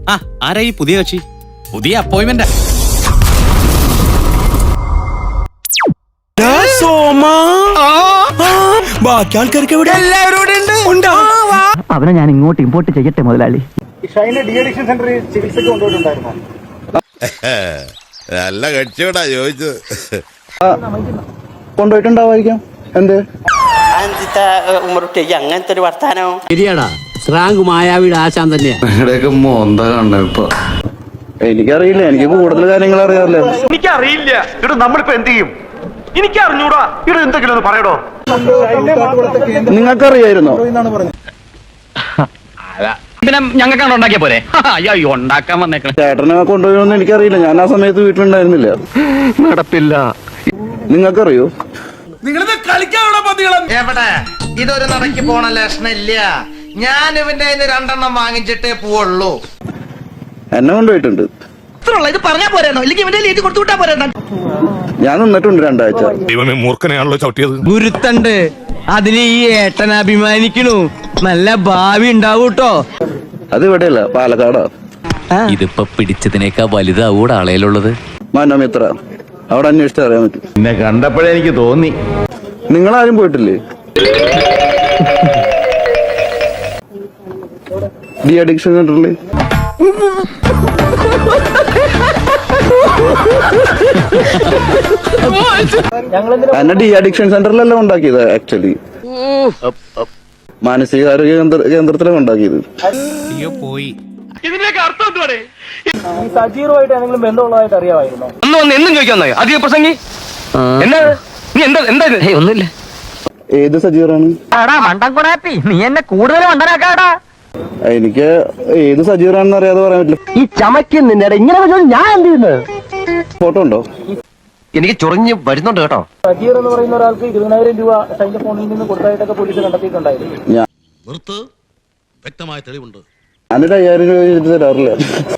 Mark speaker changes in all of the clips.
Speaker 1: ആരാ ഈ പുതിയ കക്ഷി? പുതിയ അപ്പോയിന്റ്മെന്റ്.
Speaker 2: ബാക്കി ആൾക്കാർക്ക്
Speaker 3: അവനെ ഞാൻ ഇങ്ങോട്ട് ഇമ്പോർട്ട് ചെയ്യട്ടെ മുതലാളി.
Speaker 4: നല്ല കക്ഷിയോടാ ചോദിച്ചത്.
Speaker 5: കൊണ്ടുപോയിട്ടുണ്ടാവായിരിക്കാം. എന്ത്
Speaker 6: അങ്ങനത്തെ ഒരു വർത്താനോ?
Speaker 3: ശരിയാടാ, സ്രാങ്ക് മായാവിയുടെ ആശാൻ തന്നെയാ.
Speaker 5: എനിക്കറിയില്ല, എനിക്ക് കൂടുതൽ കാര്യങ്ങൾ അറിയാറില്ല.
Speaker 7: എനിക്കറിയില്ല. ഇവിടെ നമ്മളിപ്പോ എന്ത് ചെയ്യും? എനിക്ക് അറിഞ്ഞൂടാ. ഇവിടെ എന്തെങ്കിലും ഒന്ന് പറയടോ.
Speaker 5: നിങ്ങൾക്കറിയായിരുന്നോ?
Speaker 3: പിന്നെ ഞങ്ങൾക്കാണ് ഉണ്ടാക്കിയ പോരെ? അയ്യോ, ഉണ്ടാക്കാൻ വന്നേക്കണം.
Speaker 5: ചേട്ടനെ കൊണ്ടുപോയൊന്നും എനിക്കറിയില്ല. ഞാൻ ആ സമയത്ത് വീട്ടിലുണ്ടായിരുന്നില്ല.
Speaker 7: നടപ്പില്ല.
Speaker 5: നിങ്ങൾക്കറിയോ?
Speaker 8: എവിടെ ഇതൊരു നടക്ക് പോണ ലക്ഷണില്ല. ഞാൻ ഇവന്റെ 2 വാങ്ങിച്ചിട്ടേ പോവുള്ളൂ.
Speaker 5: എന്നെ കൊണ്ടുപോയിട്ടുണ്ട്.
Speaker 8: ഇത് പറഞ്ഞാ പോരാണോ? ഇല്ലെങ്കിൽ ഇവന്റെ എഴുതി കൊടുത്തു വിട്ടാ പോരാ.
Speaker 5: ഞാൻ നിന്നിട്ടുണ്ട് 2 ആഴ്ച.
Speaker 4: ദൈവമേ, മൂർഖനെയാണല്ലോ ചവിട്ടിയത്.
Speaker 3: ഗുരുത്തണ്ട്, അതിന് ഈ ഏട്ടൻ അഭിമാനിക്കണു. നല്ല ഭാവി ഉണ്ടാവൂട്ടോ.
Speaker 5: അത് ഇവിടെയല്ല, പാലക്കാടാ.
Speaker 1: ഇതിപ്പോ പിടിച്ചതിനേക്കാ വലുതാവൂടെ ആളയിലുള്ളത്.
Speaker 5: മനോമിത്ര, അവിടെ അന്വേഷിച്ച് അറിയാൻ പറ്റും.
Speaker 7: എന്നെ കണ്ടപ്പോഴേ എനിക്ക് തോന്നി.
Speaker 5: നിങ്ങളാരും പോയിട്ടില്ലേ ഡി അഡിക്ഷൻ സെന്ററിൽ? എന്നെ ഡി അഡിക്ഷൻ സെന്ററിലല്ല ഉണ്ടാക്കിയത്. ആക്ച്വലി മാനസികാരോഗ്യ കേന്ദ്രത്തിലാണ് ഉണ്ടാക്കിയത്.
Speaker 7: ഇതിന്റെയൊക്കെ അർത്ഥം എന്തുവാണ്?
Speaker 2: സജീറുമായിട്ട് എന്തെങ്കിലും ബന്ധമുള്ളതായിട്ട് അറിയാമായിരുന്നോ?
Speaker 7: എന്നും ചോദിക്കാൻ അധിക പ്രസംഗി എന്നാ നീ എന്താ ഒന്നുമില്ല.
Speaker 5: ഏത് സജീറാണ്?
Speaker 3: നീ എന്നെ കൂടുതൽ മണ്ടനാക്കാടാ.
Speaker 5: എനിക്ക് ഏത് സജീറാണെന്ന് അറിയാതെ പറയാൻ പറ്റില്ല.
Speaker 3: ഈ ചമയ്ക്കുന്നില്ല ഇങ്ങനെ ഞാൻ എന്ത് ചെയ്യുന്നത്?
Speaker 5: ഫോട്ടോ ഉണ്ടോ?
Speaker 7: എനിക്ക് ചൊറിഞ്ഞ് വരുന്നുണ്ട് കേട്ടോ.
Speaker 2: സജീർ എന്ന് പറയുന്ന ഒരാൾക്ക് 20,000 രൂപ ഷൈന്റെ ഫോണിൽ നിന്ന് കൊടുത്തായിട്ടൊക്കെ പോലീസ് കണ്ടെത്തിയിട്ടുണ്ടായിരുന്നു.
Speaker 4: വ്യക്തമായ തെളിവുണ്ട്.
Speaker 5: ഞാനൊരു 5,000 രൂപ എഴുതി തരാറില്ല.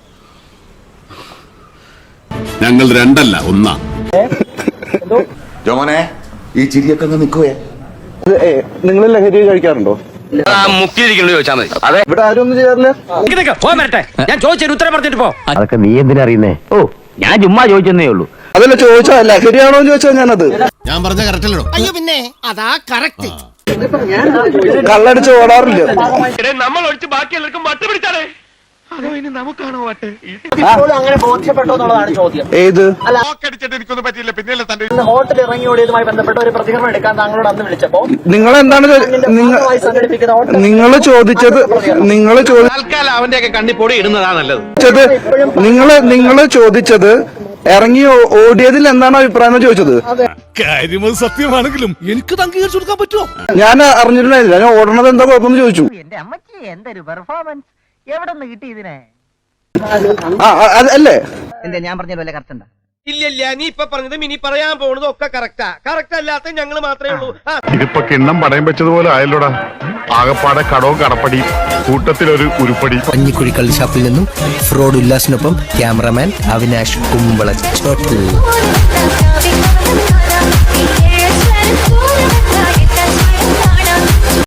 Speaker 4: ഞങ്ങൾ 2 അല്ല 1.
Speaker 9: ജോമനെ, ഈ ചിരിയൊക്കെ നിൽക്കുവേ.
Speaker 5: നിങ്ങൾ ലഹരി കഴിക്കാറുണ്ടോ?
Speaker 7: മുക്കിയിരിക്കണോ ചോദിച്ചാൽ മതി. അതെ,
Speaker 5: ഇവിടെ ആരും ഒന്നും ചെയ്യാറില്ല.
Speaker 1: ഞാൻ ചോദിച്ചൊരു ഉത്തരം പറഞ്ഞിട്ട് പോ.
Speaker 3: അതൊക്കെ നീ എന്തിനാ അറിയുന്നേ? ഓ, ഞാൻ ചുമ്മാ ചോദിച്ചെന്നേ ഉള്ളൂ.
Speaker 5: അതല്ല ചോദിച്ചാ ലഹരിയാണോ എന്ന് ചോദിച്ചാൽ ഞാനത്
Speaker 4: ഞാൻ പറഞ്ഞ കറക്റ്റ് അല്ലല്ലോ.
Speaker 8: അയ്യോ പിന്നെ അതാ കറക്റ്റ്.
Speaker 5: കള്ളടിച്ച് ഓടാറില്ല.
Speaker 7: നമ്മൾ ഒഴിച്ച് ബാക്കി എല്ലാവർക്കും വട്ട് പിടിച്ചാലേ. അതോ ഇനി നമുക്കാണോ വട്ട്?
Speaker 2: അങ്ങനെ ബോധ്യപ്പെട്ടോ എന്നുള്ളതാണ് ചോദ്യം.
Speaker 5: ഏത്
Speaker 7: അടിച്ചിട്ട് എനിക്കൊന്നും പറ്റിയില്ല. പിന്നെ തന്റെ
Speaker 2: ഹോട്ടൽ ഇറങ്ങി ഓടിയതുമായി ബന്ധപ്പെട്ട ഒരു പ്രതികരണം എടുക്കാൻ താങ്കളോട് അന്ന് വിളിച്ചപ്പോ
Speaker 5: നിങ്ങൾ എന്താണ് നിങ്ങൾ ചോദിച്ചത്?
Speaker 7: തൽക്കാലം അവന്റെയൊക്കെ കണ്ണി പൊടി ഇടുന്നതാ നല്ലത്.
Speaker 5: നിങ്ങൾ ചോദിച്ചത് ഇറങ്ങി ഓടിയതിൽ എന്താണ് അഭിപ്രായം ചോദിച്ചത്?
Speaker 4: കാര്യം സത്യമാണെങ്കിലും എനിക്ക് അംഗീകരിച്ചു കൊടുക്കാൻ പറ്റുമോ?
Speaker 5: ഞാൻ അറിഞ്ഞിട്ടുണ്ടായില്ല. ഞാൻ ഓടണത് എന്താ കുഴപ്പമെന്ന് ചോദിച്ചു.
Speaker 3: എന്റെ അമ്മച്ചി എന്തൊരു പെർഫോമൻസ്! എവിടെ നിന്ന് കിട്ടി ഇതിനെ?
Speaker 5: അല്ലേ
Speaker 3: എന്താ ഞാൻ പറഞ്ഞ പോലെ കറക്റ്റ് ഉണ്ടാ?
Speaker 8: ഇല്ല, നീ ഇപ്പൊ പറഞ്ഞതും ഇനി പറയാൻ പോകുന്നതും ഒക്കെ കറക്റ്റാ. കറക്റ്റ് അല്ലാത്ത ഞങ്ങൾ മാത്രമേ ഉള്ളൂ.
Speaker 10: ഇതിപ്പോ കിണ്ണം പടയം വെച്ചതുപോലെ ആയല്ലോടാ. ആകപ്പാടെ കടവും കടപ്പടി, കൂട്ടത്തിലൊരു ഉരുപ്പടി.
Speaker 9: പഞ്ഞിക്കുഴിക്കൽ ഷാപ്പിൽ നിന്നും ഫ്രോഡ് ഉല്ലാസിനൊപ്പം ക്യാമറമാൻ അവിനാഷ് കുമ്പള ചോട്ടിൽ.